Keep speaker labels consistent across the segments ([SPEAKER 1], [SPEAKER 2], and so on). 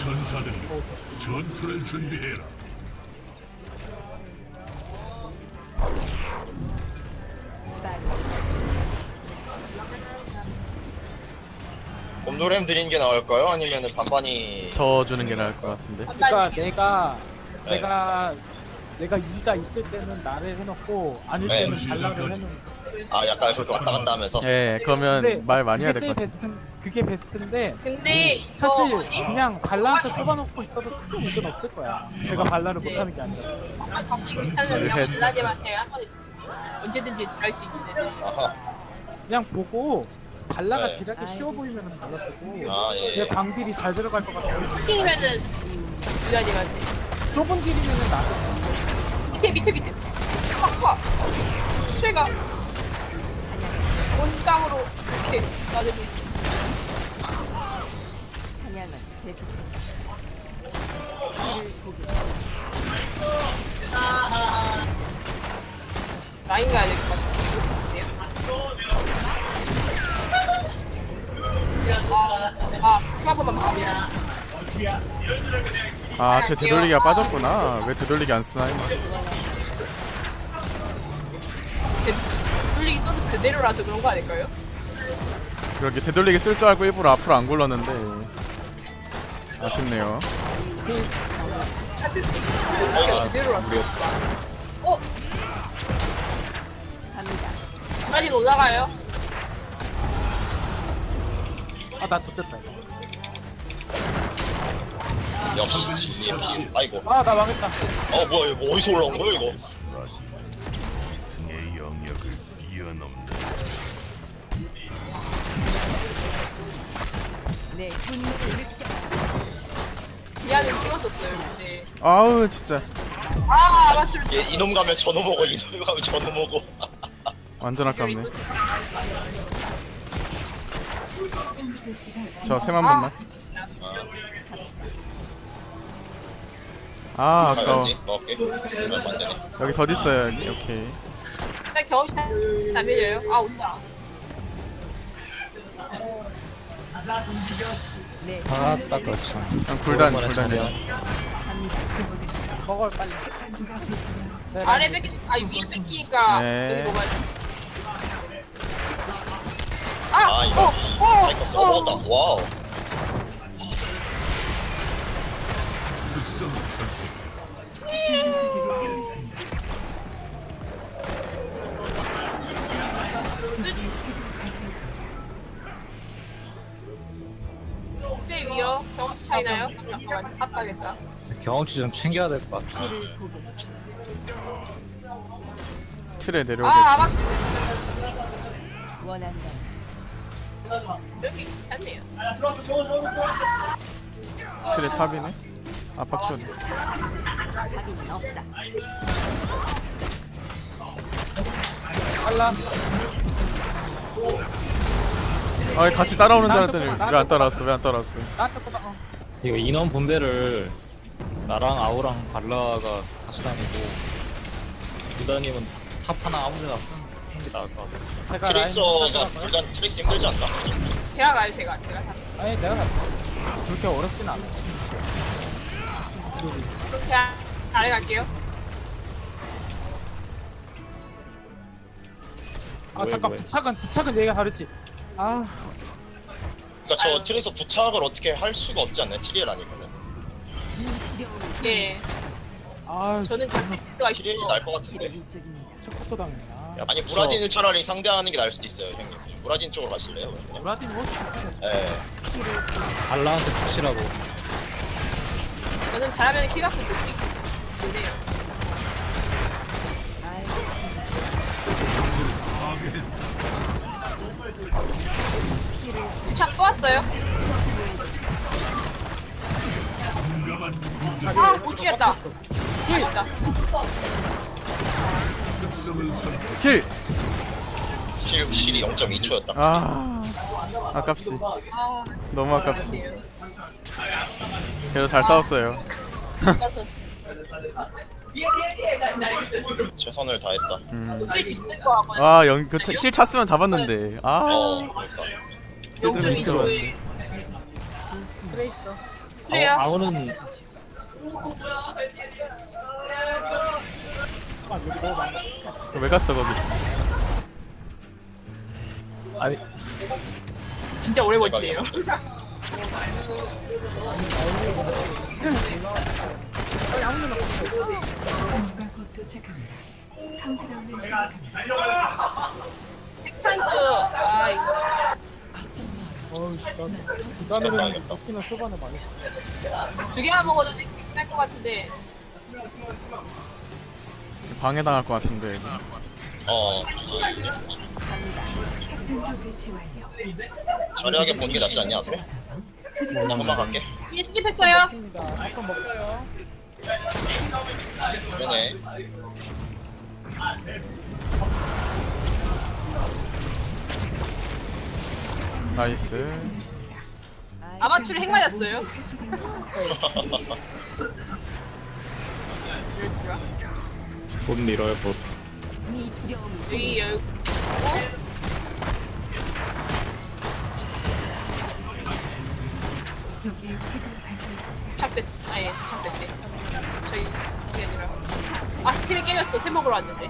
[SPEAKER 1] 전사들이 전투를 준비해라.
[SPEAKER 2] 곰돌렘 드리는 게 나을까요? 아니면 반반이
[SPEAKER 3] 저 주는 게 나을 것 같은데.
[SPEAKER 4] 그러니까
[SPEAKER 2] 네.
[SPEAKER 4] 내가 2가 있을 때는 나를 해놓고 아닐
[SPEAKER 2] 네.
[SPEAKER 4] 때는 발라를 해놓는.
[SPEAKER 2] 약간 그렇게 왔다 갔다 하면서
[SPEAKER 3] 예, 그러면 말 많이 해야 될 것 같아.
[SPEAKER 4] 그게 베스트인데
[SPEAKER 5] 근데 이거
[SPEAKER 4] 사실
[SPEAKER 5] 뭐지?
[SPEAKER 4] 그냥 발라한테 뽑아놓고 있어도 크게 문제는 없을 거야. 제가 발라를
[SPEAKER 5] 네.
[SPEAKER 4] 못하는 게 아니라.
[SPEAKER 5] 정치 괜찮으면 그냥 블라디한테 한번 언제든지 할 수 있는데.
[SPEAKER 2] 아하.
[SPEAKER 4] 그냥 보고 발라가
[SPEAKER 2] 네.
[SPEAKER 4] 딜하기 쉬워 보이면은 발라 쓰고
[SPEAKER 2] 예.
[SPEAKER 4] 내 방딜이 잘 들어갈 것 같아.
[SPEAKER 5] 킹이면은 블라디한테.
[SPEAKER 4] 좁은 딜이면은 나도
[SPEAKER 5] 밑에 팍팍 트레가 원땅으로 이렇게 나대고 있어.
[SPEAKER 6] 사냥은 계속된다.
[SPEAKER 5] 라인 가야 될 것 같아. 슈 한 번만 봐야
[SPEAKER 3] 아, 쟤 되돌리기가 빠졌구나. 왜 되돌리기 안 쓰나?
[SPEAKER 5] 돌리기 써도 그대로라서 그런 거 아닐까요?
[SPEAKER 3] 그러게 되돌리기 쓸 줄 알고 일부러 앞으로 안 굴렀는데 아쉽네요.
[SPEAKER 5] 그대로라서. 어?
[SPEAKER 6] 갑니다.
[SPEAKER 5] 라인 올라가요?
[SPEAKER 4] 아나 죽겠다.
[SPEAKER 2] 역시 진리의 피. 아이고.
[SPEAKER 4] 아나 망했다.
[SPEAKER 2] 뭐야 이거 어디서 올라온 거야 이거?
[SPEAKER 1] 승의 영역을 뛰어넘는
[SPEAKER 6] 내 분노를 느껴.
[SPEAKER 5] 미안은 찍었었어요. 근데
[SPEAKER 3] 아우 진짜
[SPEAKER 5] 맞출
[SPEAKER 2] 이놈 가면 저놈 오고 이놈 가면 저놈 오고.
[SPEAKER 3] 완전 아깝네. 저 셈 한 번만. 아 아까워.
[SPEAKER 2] 가야지. 먹을게. 이러면 안 되네.
[SPEAKER 3] 여기 더 있어요. 여기. 오케이.
[SPEAKER 5] 일단 경험치 안 밀려요. 온다.
[SPEAKER 7] 아딱 그렇죠.
[SPEAKER 3] 그냥 굴단이야.
[SPEAKER 4] 먹을 빨리.
[SPEAKER 5] 아래 뺏기, 위에 뺏기니까
[SPEAKER 3] 네.
[SPEAKER 5] 여기 먹어야 돼.
[SPEAKER 2] 이거. 이거 써먹었다. 와우.
[SPEAKER 5] 혹시 위요? 경험치 차이 나요? 잠깐만, 아빠겠다.
[SPEAKER 7] 경험치 좀 챙겨야 될 것 같아.
[SPEAKER 3] 틀에 내려오겠지.
[SPEAKER 5] 아마
[SPEAKER 6] 원한다.
[SPEAKER 5] 여기 괜찮네요.
[SPEAKER 3] 틀에 탑이네. 압박 쳐줘.
[SPEAKER 6] 자비는 없다.
[SPEAKER 4] 빨라.
[SPEAKER 3] 아 같이 따라오는 줄 알았더니 왜 안 따라왔어? 왜 안 따라왔어?
[SPEAKER 4] 나한테 꼽아.
[SPEAKER 7] 이거 인원 분배를 나랑 아우랑 발라가 같이 다니고 유다님은 탑 하나 아무데나 쓰는 게 나을 것 같아.
[SPEAKER 4] 제가
[SPEAKER 2] 트릭서가 불단 트릭스 힘들지 않나?
[SPEAKER 5] 제가 가요, 제가 다.
[SPEAKER 4] 아니 내가 갈게. 그렇게 어렵진 않아.
[SPEAKER 5] 그렇게 아래 갈게요.
[SPEAKER 4] 아 잠깐 부착은 얘기가 다르지. 아
[SPEAKER 2] 그러니까 저 트릭서 부착을 어떻게 할 수가 없지 않나요? TDL 아니면은.
[SPEAKER 5] 예.
[SPEAKER 4] 아
[SPEAKER 5] 저는 잡히가
[SPEAKER 2] TDL이
[SPEAKER 5] 있어.
[SPEAKER 2] 날 것 같은데.
[SPEAKER 6] 일적입니다.
[SPEAKER 4] 첫부터 당했나.
[SPEAKER 7] 야,
[SPEAKER 2] 아니
[SPEAKER 7] 부처-
[SPEAKER 2] 무라딘을 차라리 상대하는 게 나을 수도 있어요, 형님. 무라딘 쪽으로 가실래요? 그러면?
[SPEAKER 4] 브라딘 뭐 죽겠네.
[SPEAKER 2] 예.
[SPEAKER 7] 발라한테 푸시라고.
[SPEAKER 5] 저는 잘하면 키 갖고 볼수 있네요. 부착 또 왔어요? 못 쥐었다. 아쉽다.
[SPEAKER 3] 힐.
[SPEAKER 2] 힐이 0.2초였다.
[SPEAKER 3] 아 아깝시.
[SPEAKER 5] 아,
[SPEAKER 3] 너무 아깝시.
[SPEAKER 5] 아쉽네요.
[SPEAKER 3] 그래도 잘 싸웠어요.
[SPEAKER 5] 아까서
[SPEAKER 2] 최선을 다했다.
[SPEAKER 5] 소리 짓는 거 하고
[SPEAKER 3] 힐 찼으면 잡았는데. 아
[SPEAKER 2] 그러니까.
[SPEAKER 5] 0.2초에
[SPEAKER 4] 트레이서.
[SPEAKER 5] 트레야.
[SPEAKER 7] 아우는
[SPEAKER 3] 왜 갔어 거기?
[SPEAKER 7] 아니
[SPEAKER 5] 진짜 오래 버티네요. 핵산드 아 이거
[SPEAKER 4] 어우씨 나 부담이는 먹기는 초반에 많이
[SPEAKER 5] 두 개만 먹어도 될것 같은데.
[SPEAKER 3] 방해당할 것 같은데 이거.
[SPEAKER 2] 저렴하게 보는 게 낫지 않냐 앞에? 그냥 넘어갈게.
[SPEAKER 5] 이게 스킵했어요.
[SPEAKER 4] 입니다. 한번 먹어요.
[SPEAKER 2] 그러네.
[SPEAKER 3] 나이스.
[SPEAKER 5] 아마추어 핵 맞았어요. 이럴 수가.
[SPEAKER 7] 못 밀어요 못.
[SPEAKER 6] 네 두려움이
[SPEAKER 5] 여기 여기. 부착됐 아예 부착됐대. 저희 그게 아니라 아 스킬이 깨졌어. 새 먹으러 왔는데.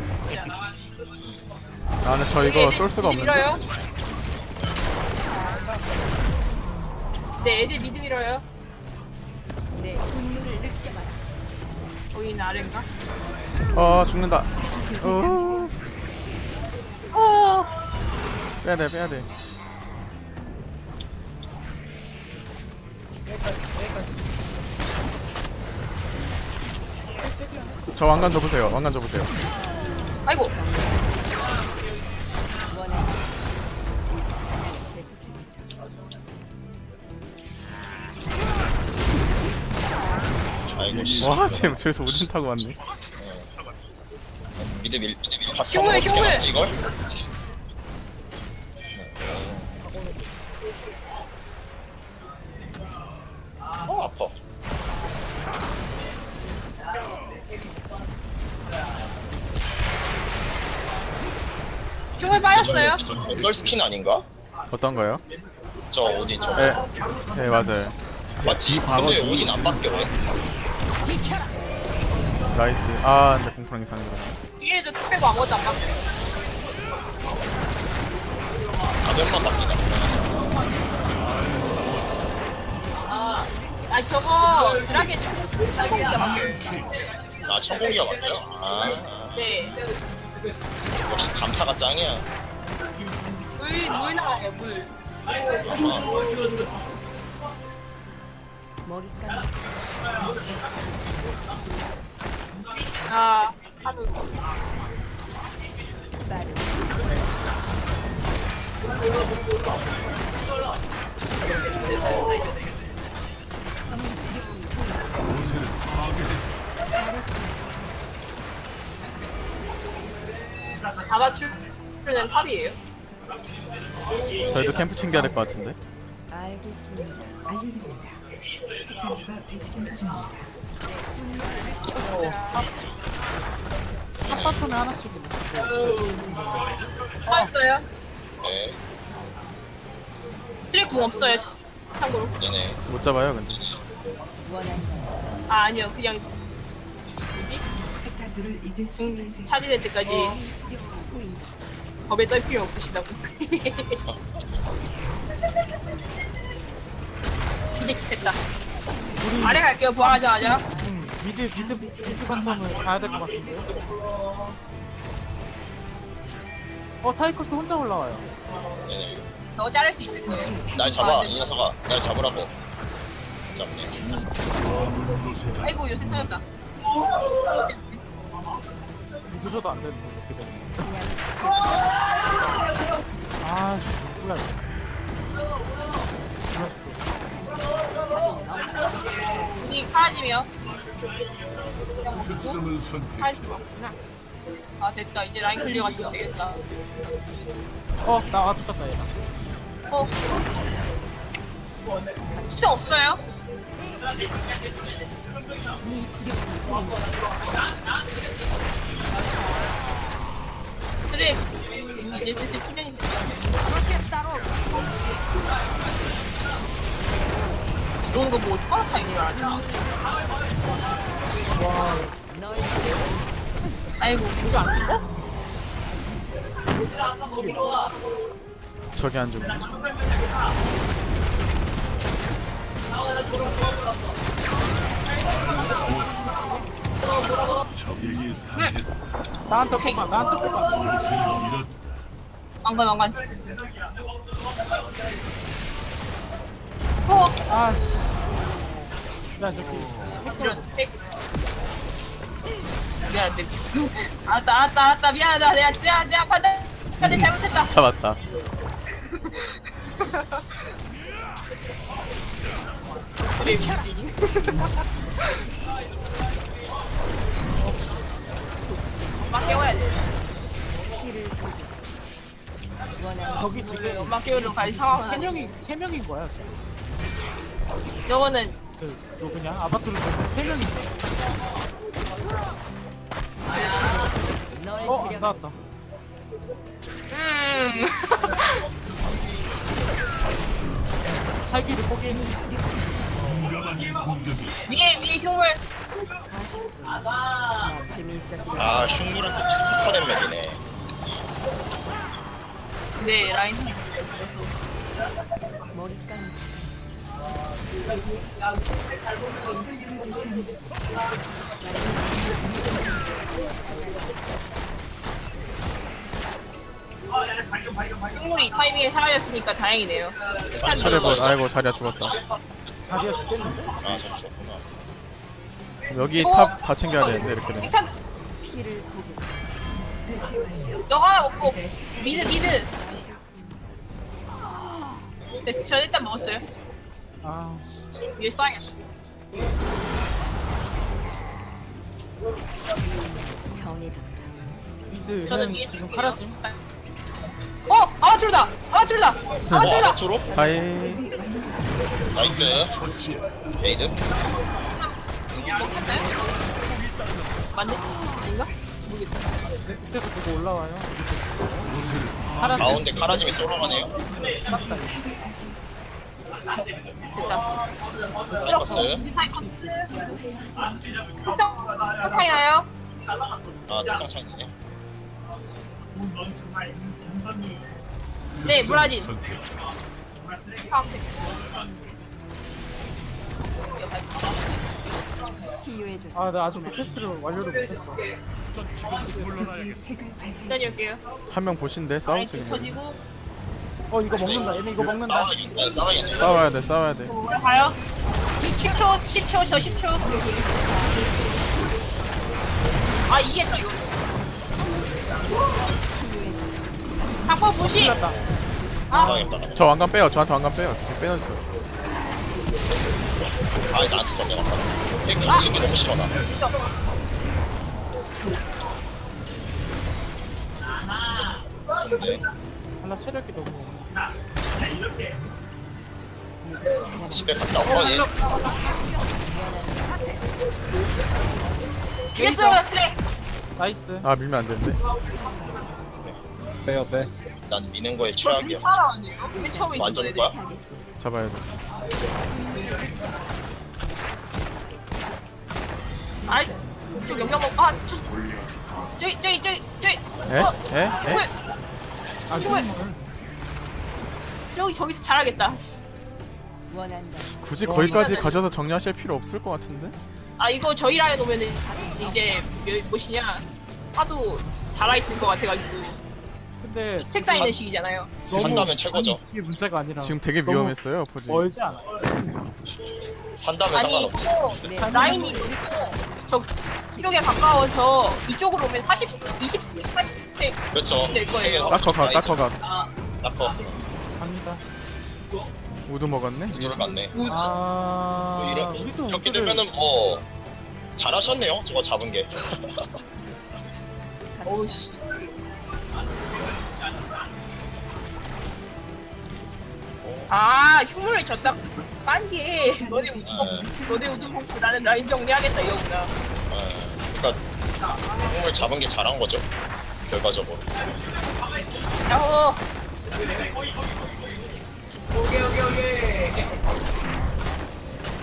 [SPEAKER 3] 나는 저 이거 쏠 수가
[SPEAKER 5] 미드
[SPEAKER 3] 없는데.
[SPEAKER 5] 밀어요. 네 애들 미드 밀어요.
[SPEAKER 6] 내 분노를 느껴봐라.
[SPEAKER 5] 거기는 아래인가?
[SPEAKER 3] 죽는다.
[SPEAKER 5] 어.
[SPEAKER 3] 빼야돼 빼야돼. 저 왕관 줘보세요. 왕관 줘보세요.
[SPEAKER 5] 아이고.
[SPEAKER 2] 아이고 씨.
[SPEAKER 3] 와 쟤 저기서 오진 타고 왔네.
[SPEAKER 2] 미드 밀
[SPEAKER 5] 흉물,
[SPEAKER 2] 바텀을 어떻게
[SPEAKER 5] 흉물.
[SPEAKER 2] 맞지 이걸? 아파.
[SPEAKER 5] 흉을 빠졌어요.
[SPEAKER 2] 저 건설 스킨 아닌가?
[SPEAKER 3] 어떤 거요?
[SPEAKER 2] 저 어디 저
[SPEAKER 3] 네, 네 맞아요.
[SPEAKER 2] 맞지? 근데 어딘 안 바뀌어 왜?
[SPEAKER 3] 나이스. 아 근데 공포랑 이상이다.
[SPEAKER 5] 뒤에도 툭 빼고 아무것도 안 바뀌어요.
[SPEAKER 2] 가면만 바뀌다.
[SPEAKER 5] 아 저거 드라게 천공기가 바뀌어요.
[SPEAKER 2] 아 천공기가 바뀌어? 아
[SPEAKER 5] 네.
[SPEAKER 2] 역시 감타가 짱이야.
[SPEAKER 5] 물 나와요 물.
[SPEAKER 6] 머리까지
[SPEAKER 5] 아 하루.
[SPEAKER 6] 빠른
[SPEAKER 5] 아마추어는 탑이에요.
[SPEAKER 3] 저희도 캠프 챙겨야 될 것 같은데.
[SPEAKER 6] 알겠습니다.
[SPEAKER 4] 탑바텀에 하나씩
[SPEAKER 5] 빠졌어요.
[SPEAKER 2] 네,
[SPEAKER 5] 트랙 궁 없어요. 참고로.
[SPEAKER 2] 네네.
[SPEAKER 3] 못 잡아요 근데.
[SPEAKER 6] 원한다.
[SPEAKER 5] 아 아니요 그냥 뭐지? 궁 차지될 때까지 법에 떨 필요 없으시다고. 이제 됐다. 아래 갈게요. 부활하자마자.
[SPEAKER 4] 미드 바텀을 가야 될 것 같은데요? 타이커스 혼자 올라와요.
[SPEAKER 2] 네네.
[SPEAKER 5] 저 자를 수 있을 거예요.
[SPEAKER 2] 날 잡아 이 녀석아. 날 잡으라고. 잡네.
[SPEAKER 5] 아이고 요새 터졌다.
[SPEAKER 4] 미드줘도 안 되는데 이렇게 되면. 아, 몰라.
[SPEAKER 5] 눈이 파라지며.
[SPEAKER 1] 특성을 선택.
[SPEAKER 5] 할 수가 없구나. 아 됐다. 이제 라인 클리어가 되겠다.
[SPEAKER 4] 나 맞췄다 얘가.
[SPEAKER 5] 어. 특성 없어요? 트랙 이제 슬슬 투명인데. 이런 거뭐 초록탕인 줄 알았나?
[SPEAKER 6] 널
[SPEAKER 5] 아이고 이거 안 죽어?
[SPEAKER 3] 저기 안 죽네.
[SPEAKER 1] 적에게
[SPEAKER 4] 나한테 뽑아 나한테 뽑아.
[SPEAKER 1] 이런
[SPEAKER 5] 왕관. 어
[SPEAKER 4] 아씨. 나 저기
[SPEAKER 5] 이런 핵. 미안한데. 알았다 미안하다 내가 판단 잘못했다.
[SPEAKER 3] 잡았다.
[SPEAKER 5] 그래 엄마 깨워야 돼.
[SPEAKER 4] 저기 지금
[SPEAKER 5] 엄마 깨우러 갈 상황은
[SPEAKER 4] 세 명인 거야 지금.
[SPEAKER 5] 저거는
[SPEAKER 4] 저 누구냐? 아바트로 보면 세 명인 거야.
[SPEAKER 6] 널
[SPEAKER 4] 안 나왔다. 살기를 포기했는.
[SPEAKER 5] 위에 흉물.
[SPEAKER 6] 재미있어서
[SPEAKER 2] 아 흉물은 또 착륙화된 맵이네.
[SPEAKER 5] 네 라인.
[SPEAKER 6] 머리 감지.
[SPEAKER 5] 흉물이 타이밍에 사라졌으니까 다행이네요.
[SPEAKER 3] 차례본. 아이고 자리야 죽었다.
[SPEAKER 4] 자리야 죽겠는데?
[SPEAKER 2] 아저 죽었구나.
[SPEAKER 3] 여기 탑 다 챙겨야 되는데 이렇게 되면.
[SPEAKER 5] 일단
[SPEAKER 6] 피를 보고
[SPEAKER 5] 너가 먹고 미드. 됐어 저 일단 먹었어요.
[SPEAKER 4] 아
[SPEAKER 5] 위에 써야겠어.
[SPEAKER 6] 정해졌다.
[SPEAKER 4] 미드
[SPEAKER 5] 저는
[SPEAKER 4] 형
[SPEAKER 5] 위에
[SPEAKER 4] 지금
[SPEAKER 5] 쓸게요.
[SPEAKER 4] 카라짐.
[SPEAKER 5] 아바트루다.
[SPEAKER 2] 아바트로?
[SPEAKER 3] 하이.
[SPEAKER 2] 나이스. 레이드.
[SPEAKER 5] 맞네? 아닌가? 모르겠다.
[SPEAKER 4] 밑에서 보고 올라와요. 카라짐.
[SPEAKER 2] 가운데 카라짐이 쏠아가네요.
[SPEAKER 4] 맞다.
[SPEAKER 5] 됐다.
[SPEAKER 2] 나이커스.
[SPEAKER 5] 사이커스. 특성 차이 나요?
[SPEAKER 2] 아 특성 차이네.
[SPEAKER 5] 네, 브라질.
[SPEAKER 1] 선택.
[SPEAKER 6] 치유해줘서
[SPEAKER 4] 아나 아직도 테스트를 완료를 못했어.
[SPEAKER 5] 기다릴게요.
[SPEAKER 3] 한 명 보신데 싸우
[SPEAKER 5] 라인
[SPEAKER 3] 지금.
[SPEAKER 5] 터지고
[SPEAKER 4] 이거 먹는다. 얘네 이거 먹는다.
[SPEAKER 2] 싸워야겠네.
[SPEAKER 3] 싸워야 돼.
[SPEAKER 5] 가요. 10초, 저 10초. 아 이겼다 이거. 한번 무시.
[SPEAKER 4] 갔다.
[SPEAKER 2] 싸워야겠다.
[SPEAKER 3] 저 왕관 빼요. 저한테 왕관 빼요. 지금 빼놨어요.
[SPEAKER 2] 아 나한테 썼네 아까. 얘 겹치는 게 너무 싫어 나. 근데
[SPEAKER 4] 하나 체력이 너무 없네.
[SPEAKER 2] 집에 갔다 와 얘.
[SPEAKER 5] 죽였어요 트랙.
[SPEAKER 4] 나이스.
[SPEAKER 3] 아 밀면 안 되는데.
[SPEAKER 7] 빼.
[SPEAKER 2] 난 미는 거에
[SPEAKER 5] 저 지금
[SPEAKER 2] 최악이야.
[SPEAKER 5] 살아왔네요. 맨 처음에
[SPEAKER 2] 완전
[SPEAKER 5] 있었던
[SPEAKER 2] 거야?
[SPEAKER 5] 애들.
[SPEAKER 3] 잡아야 돼.
[SPEAKER 5] 아이 이쪽 연결 먹. 아 저기.
[SPEAKER 3] 에? 에?
[SPEAKER 4] 아
[SPEAKER 5] 흉물.
[SPEAKER 4] 흉물.
[SPEAKER 5] 저기서 잘하겠다.
[SPEAKER 6] 원한다.
[SPEAKER 3] 굳이 거기까지 가져서 정리하실 필요 없을 것 같은데?
[SPEAKER 5] 아 이거 저희 라인 오면은 이제 무엇이냐 하도 잘하 있을 것 같아가지고
[SPEAKER 4] 근데
[SPEAKER 5] 책 쌓이는 시기잖아요.
[SPEAKER 2] 산다면 최고죠.
[SPEAKER 4] 이게 문제가 아니라
[SPEAKER 3] 지금 되게
[SPEAKER 4] 너무
[SPEAKER 3] 위험했어요 포지.
[SPEAKER 4] 멀지 않아.
[SPEAKER 2] 산다면
[SPEAKER 5] 아니
[SPEAKER 2] 상관없지.
[SPEAKER 5] 또 라인이 저 쪽에 가까워서 이쪽으로 오면 40스택
[SPEAKER 2] 그렇죠.
[SPEAKER 5] 될 거예요.
[SPEAKER 3] 따커가.
[SPEAKER 2] 따커.
[SPEAKER 4] 갑니다.
[SPEAKER 3] 우드 먹었네.
[SPEAKER 2] 이거를 맞네.
[SPEAKER 4] 아 우리도
[SPEAKER 2] 이렇게
[SPEAKER 4] 우드를-
[SPEAKER 2] 되면은 뭐 잘하셨네요. 저거 잡은 게.
[SPEAKER 5] 어우씨. 아 흉물을 졌다 빤게 너네 우주 봉투 나는 라인 정리하겠다 이거구나.
[SPEAKER 2] 그러니까 공을 잡은 게 잘한 거죠. 결과적으로.
[SPEAKER 5] 야호.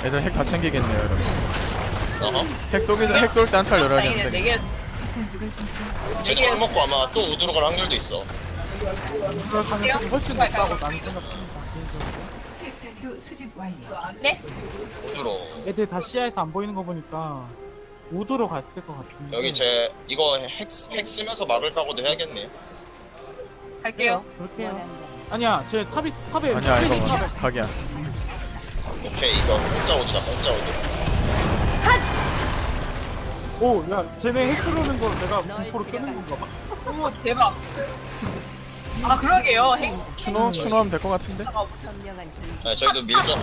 [SPEAKER 3] 애들 핵 다 챙기겠네요 여러분.
[SPEAKER 2] 어허.
[SPEAKER 3] 핵 쏠 때 한탈 열어야
[SPEAKER 5] 다행이네.
[SPEAKER 3] 되는데.
[SPEAKER 5] 4개
[SPEAKER 2] 쟤도 안 먹고 아마 또 우드로 갈 확률도 있어.
[SPEAKER 4] 그럴 가능성이 훨씬 높다고 나는 생각합니다.
[SPEAKER 5] 네?
[SPEAKER 2] 우드로.
[SPEAKER 4] 애들 다 시야에서 안 보이는 거 보니까 우드로 갔을 것 같은데.
[SPEAKER 2] 여기 제 이거 핵 쓰면서 막을 각오도 해야겠네요.
[SPEAKER 5] 갈게요.
[SPEAKER 4] 그렇게 해요.
[SPEAKER 6] 원한다.
[SPEAKER 4] 아니야, 쟤 탑에
[SPEAKER 3] 아니야
[SPEAKER 4] 트레이서
[SPEAKER 3] 이거
[SPEAKER 4] 탑에.
[SPEAKER 3] 각이야.
[SPEAKER 2] 오케이 이거 공짜 우드다 공짜 우드.
[SPEAKER 4] 오, 야, 쟤네 핵 쏘는 거 내가 공포로 끄는 건가 봐.
[SPEAKER 5] 어머 대박. 아 그러게요. 핵
[SPEAKER 3] 추노하면 될 것 같은데.
[SPEAKER 6] 선명한 길.
[SPEAKER 2] 네, 저희도 밀죠.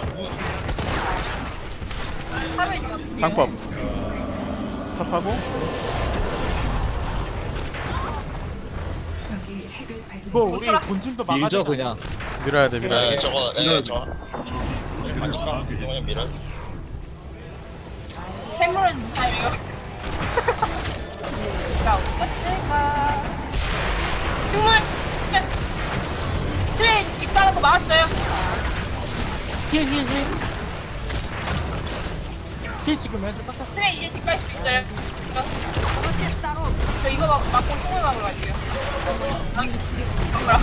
[SPEAKER 5] 탑에 지금
[SPEAKER 3] 장법 스탑하고
[SPEAKER 4] 이거 우리 본진도 막아야
[SPEAKER 7] 밀죠
[SPEAKER 4] 되잖아.
[SPEAKER 7] 그냥.
[SPEAKER 3] 밀어야 돼 밀어야
[SPEAKER 2] 네
[SPEAKER 3] 돼.
[SPEAKER 2] 저거 저 아니까 이거 그냥 밀어.
[SPEAKER 5] 샘물은 다예요. 자 어땠을까? 흉물 트레인 집 가는 거 막았어요.
[SPEAKER 4] 힐. 힐 지금 왼쪽 깎았어.
[SPEAKER 5] 트레인 이제 집 갈 수도 있어요. 저 이거 막고 흉물 막으러 갈게요. 아니 막으라.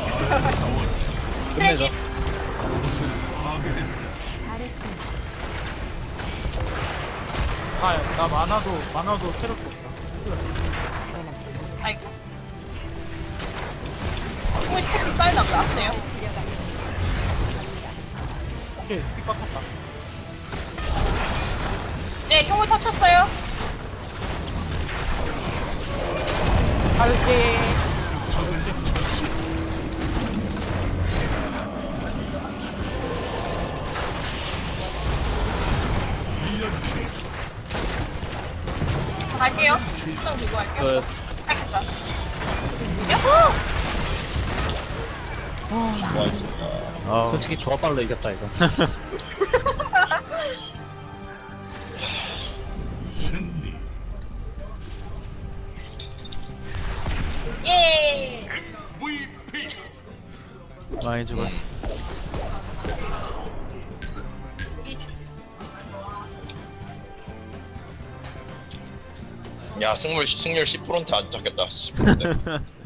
[SPEAKER 5] 트레인 집
[SPEAKER 6] 잘했습니다.
[SPEAKER 4] 아, 나 만화도 체력도 없다.
[SPEAKER 6] 소환하지.
[SPEAKER 5] 아이고. 흉물 스택 좀 쌓여나 보다. 아프네요.
[SPEAKER 4] 오케이, 픽 깎았다.
[SPEAKER 5] 네 흉물 터쳤어요.
[SPEAKER 4] 갈게. 그렇지.
[SPEAKER 5] 갈게요. 수정 들고 갈게요.
[SPEAKER 7] 그
[SPEAKER 5] 알겠다. 야호!
[SPEAKER 2] 좋아했습니다.
[SPEAKER 3] 아우.
[SPEAKER 7] 솔직히 조합발로 이겼다 이거.
[SPEAKER 1] 승리.
[SPEAKER 5] 예.
[SPEAKER 3] 많이 죽었어.
[SPEAKER 2] 야 승률 10%한테 안 잡겠다 싶은데.